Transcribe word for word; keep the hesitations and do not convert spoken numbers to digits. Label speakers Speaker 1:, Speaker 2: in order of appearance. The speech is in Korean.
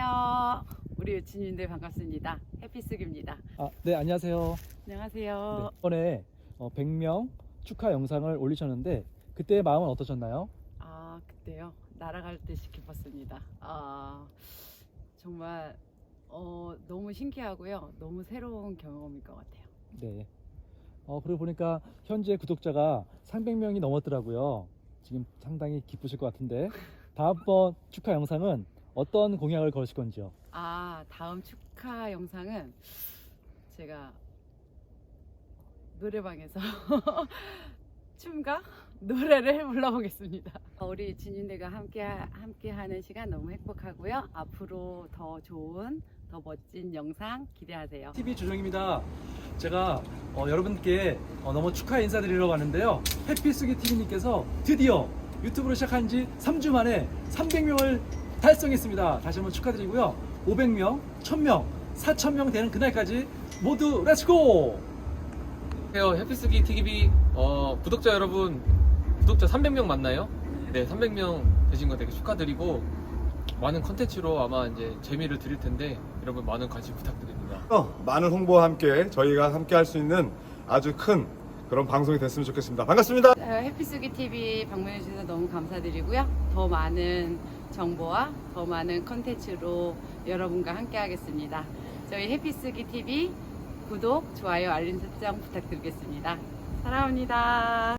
Speaker 1: 안녕하세요. 우리 유치님들 반갑습니다. 해피숙입니다.
Speaker 2: 아, 네, 안녕하세요.
Speaker 1: 안녕하세요.
Speaker 2: 네, 이번에 어, 백 명 축하 영상을 올리셨는데 그때의 마음은 어떠셨나요?
Speaker 1: 아, 그때요. 날아갈 듯이 기뻤습니다. 아, 정말 어, 너무 신기하고요. 너무 새로운 경험일 것 같아요.
Speaker 2: 네. 어, 그리고 보니까 현재 구독자가 삼백 명이 넘었더라고요. 지금 상당히 기쁘실 것 같은데 다음번 축하 영상은 어떤 공약을 걸으실 건지요?
Speaker 1: 아, 다음 축하 영상은 제가 노래방에서 춤과 노래를 불러보겠습니다. 우리 진윤대가 함께 함께 하는 시간 너무 행복하고요. 앞으로 더 좋은, 더 멋진 영상 기대하세요.
Speaker 2: 티비 조정입니다. 제가 어, 여러분께 어, 너무 축하 인사드리러 왔는데요. 해피숙이 티비님께서 드디어 유튜브를 시작한 지 삼 주 만에 삼백 명을 달성했습니다. 다시 한번 축하드리고요. 오백 명, 천 명, 사천 명 되는 그날까지 모두 렛츠고!
Speaker 3: 안녕하세요. 해피스기 티비 어, 구독자 여러분, 구독자 삼백 명 맞나요? 네, 삼백 명 되신 거 되게 축하드리고 많은 컨텐츠로 아마 이제 재미를 드릴 텐데 여러분 많은 관심 부탁드립니다.
Speaker 4: 어, 많은 홍보와 함께 저희가 함께 할 수 있는 아주 큰 그런 방송이 됐으면 좋겠습니다. 반갑습니다.
Speaker 1: 해피숙이 티비 방문해 주셔서 너무 감사드리고요. 더 많은 정보와 더 많은 컨텐츠로 여러분과 함께 하겠습니다. 저희 해피숙이 티비 구독, 좋아요, 알림 설정 부탁드리겠습니다. 사랑합니다.